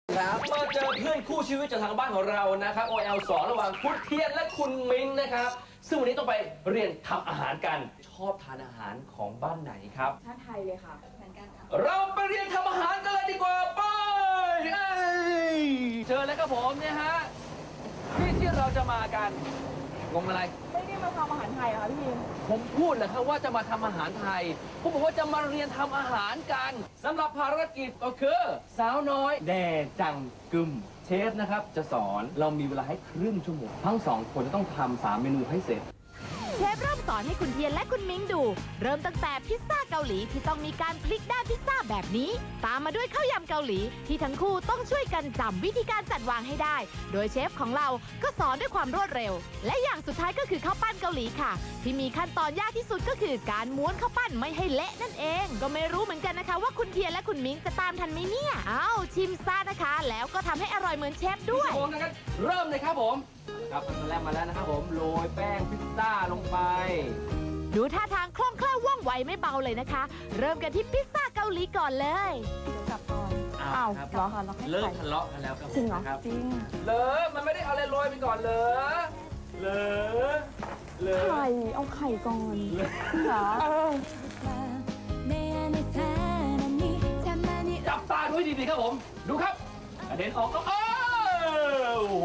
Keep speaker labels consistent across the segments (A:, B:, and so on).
A: ครับมาเจอเพื่อนคู่ชีวิตจากทางบ้านของเรานะครับ OL2 ระหว่างคุณเทียนและคุณมิ้งนะครับซึ่งวันนี้ต้องไปเรียนทำอาหารกันชอบทานอาหารของบ้านไหนครับ
B: ชาติไทยเลยค่ะเหมือนกันค่ะ
A: เราไปเรียนทำอาหารกันเลยดีกว่าไปเชิญเลยครับผมเนี่ยฮะที่เราจะมากันงงอะไร
B: ไม่ได้มาทำอาหารไทยเหรอคะพี่มิน
A: ผมพูดเลยครับว่าจะมาทำอาหารไทยผมบอกว่าจะมาเรียนทำอาหารกันสำหรับภารกิจก็คือสาวน้อยแดจังกึมเชฟนะครับจะสอนเรามีเวลาให้ครึ่งชั่วโมงทั้งสองคนจะต้องทำ3 เมนูให้เสร็จ
C: เชฟเริ่มสอนให้คุณเทียนและคุณมิ้งดู เริ่มตั้งแต่พิซซ่าเกาหลีที่ต้องมีการพลิกด้านพิซซ่าแบบนี้ ตามมาด้วยข้าวยำเกาหลีที่ทั้งคู่ต้องช่วยกันจำวิธีการจัดวางให้ได้ โดยเชฟของเราก็สอนด้วยความรวดเร็ว และอย่างสุดท้ายก็คือข้าวปั้นเกาหลีค่ะ ที่มีขั้นตอนยากที่สุดก็คือการม้วนข้าวปั้นไม่ให้เละนั่นเอง ก็ไม่รู้เหมือนกันนะคะว่าคุณเทียนและคุณมิ้งจะตามทันไหมเนี่ยอ้าวชิมซ่านะคะ แล้วก็ทำให้อร่อยเหมือนเชฟด้วย
A: ผมนะครับเริ่มเลยครับผมครับขั้นตอนแรกมาแล้วนะครับผมโรยแป้งพิซซ่าลงไป
C: ดูท่าทางคล่องแคล่วว่องไวไม่เบาเลยนะคะ เริ่มกันที่พิซซ่าเกาหลีก่อนเลย
B: กลับก่อน
A: อ้าว
B: ครับ
A: เหรอ
B: เราให้
A: เลิก
B: ไข่
A: ทะเลาะกันแล้วครับ
B: จริงเหรอ
A: ครับ
B: จริง
A: เลยมันไม่ได้เอาอะไรโรยไปก่อนเลย
B: ไข่เอาไข่ก่อนเหรอ
A: จับตาด้วยดีๆครับผมดูครับกระเด็นออกก็โอ้โห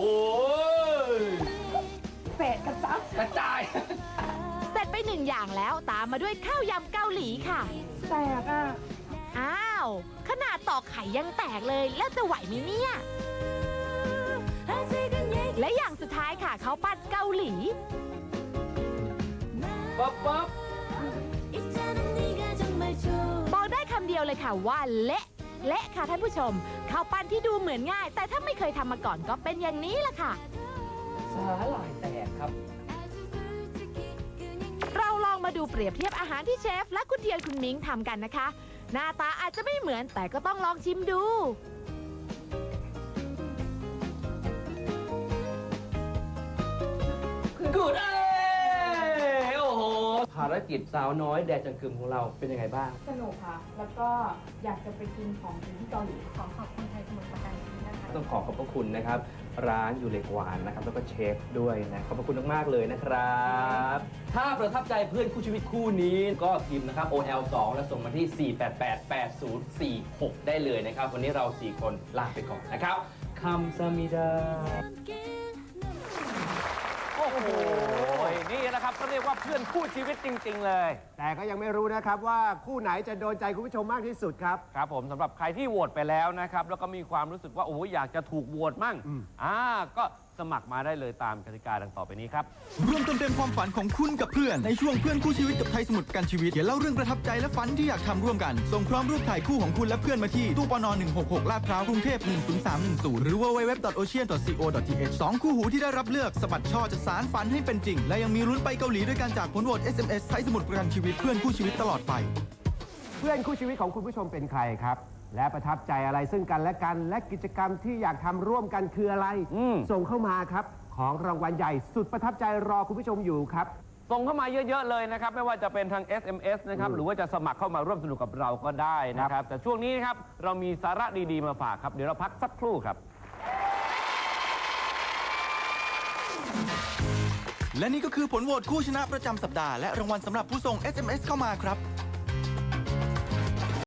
B: เศษกระจับ
A: กระจาย
C: เสร็จไปหนึ่งอย่างแล้วตามมาด้วยข้าวยำเกาหลีค่ะ
B: แตกอ่ะ
C: อ้าว ขนาดตอกไข่ยังแตกเลย แล้วจะไหวไหมเนี่ย และอย่างสุดท้ายค่ะข้าวปั้นเกาหลี
A: ปั๊บ
C: บอกได้คำเดียวเลยค่ะว่าเละเละค่ะท่านผู้ชมข้าวปั้นที่ดูเหมือนง่าย แต่ถ้าไม่เคยทำมาก่อนก็เป็นอย่างนี้แหละค่ะ
A: สาหร่ายแตกครับ
C: เราลองมาดูเปรียบเทียบอาหารที่เชฟและคุณเทียนคุณมิ้งทำกันนะคะ หน้าตาอาจจะไม่เหมือนแต่ก็ต้องลองชิมดู
A: กูดโอ้โหภารกิจสาวน้อยแดจังกึมของเราเป็นยังไงบ้าง
B: สนุกค่ะ แล้วก็อยากจะไปกินของกินที่เกาหลีขอขอบคุณไทยสมุทรปราการนี้นะคะ
A: ต้องขอบพระคุณนะครับ ร้านอยู่เหล็กหวานนะครับ แล้วก็เชฟด้วยนะขอบพระคุณมากๆเลยนะครับ ถ้าประทับใจเพื่อนคู่ชีวิตคู่นี้ก็พิมพ์นะครับ OL2 แล้วส่งมาที่ 4888046 ได้เลยนะครับ วันนี้เรา 4 คนลาไปก่อนนะครับคัมซามิดา
D: โอ้โห นี่นะครับก็เรียกว่าเพื่อนคู่ชีวิตจริง ๆ เลย
E: แต่ก็ยังไม่รู้นะครับว่าคู่ไหนจะโดนใจคุณผู้ชมมากที่สุดครับ
D: ครับผมสำหรับใครที่โหวตไปแล้วนะครับ แล้วก็มีความรู้สึกว่า โอ้โหอยากจะถูกโหวตมั่งก็สมัครมาได้เลยตามกติกาดังต่อไปนี้ครับ
F: ร่วมเติมเต็มความฝันของคุณกับเพื่อนในช่วงเพื่อนคู่ชีวิตกับไทยสมุทรประกันชีวิตเขียนเล่าเรื่องประทับใจและฝันที่อยากทำร่วมกัน ส่งพร้อมรูปถ่ายคู่ของคุณและเพื่อนมาที่ตู้ปน166 ลาดพร้าวกรุงเทพ10310 หรือ www.ocean.co.th 2 คู่หูที่ได้รับเลือกสะบัดช่อจะสารฝันให้เป็นจริง และยังมีลุ้นไปเกาหลีด้วยการจากผลโหวต SMS ไทยสมุทรประกันชีวิตเพื่อนคู่ชีวิตตลอดไป
E: เพื่อนคู่ชีวิตของคุณผู้ชมเป็นใครครับ และประทับใจอะไรซึ่งกันและกัน และกิจกรรมที่อยากทำร่วมกันคืออะไร ส่งเข้ามาครับ ของรางวัลใหญ่สุดประทับใจรอคุณผู้ชมอยู่ครับ
D: ส่งเข้ามาเยอะ ๆ เลยนะครับ ไม่ว่าจะเป็นทาง SMS นะครับ หรือว่าจะสมัครเข้ามาร่วมสนุกกับเราก็ได้นะครับ แต่ช่วงนี้นะครับเรามีสาระดีๆมาฝากครับ เดี๋ยวเราพักสักครู่ครับ
F: และนี่ก็คือผลโหวตคู่ชนะประจำสัปดาห์และรางวัลสำหรับผู้ส่ง SMS เข้ามาครับ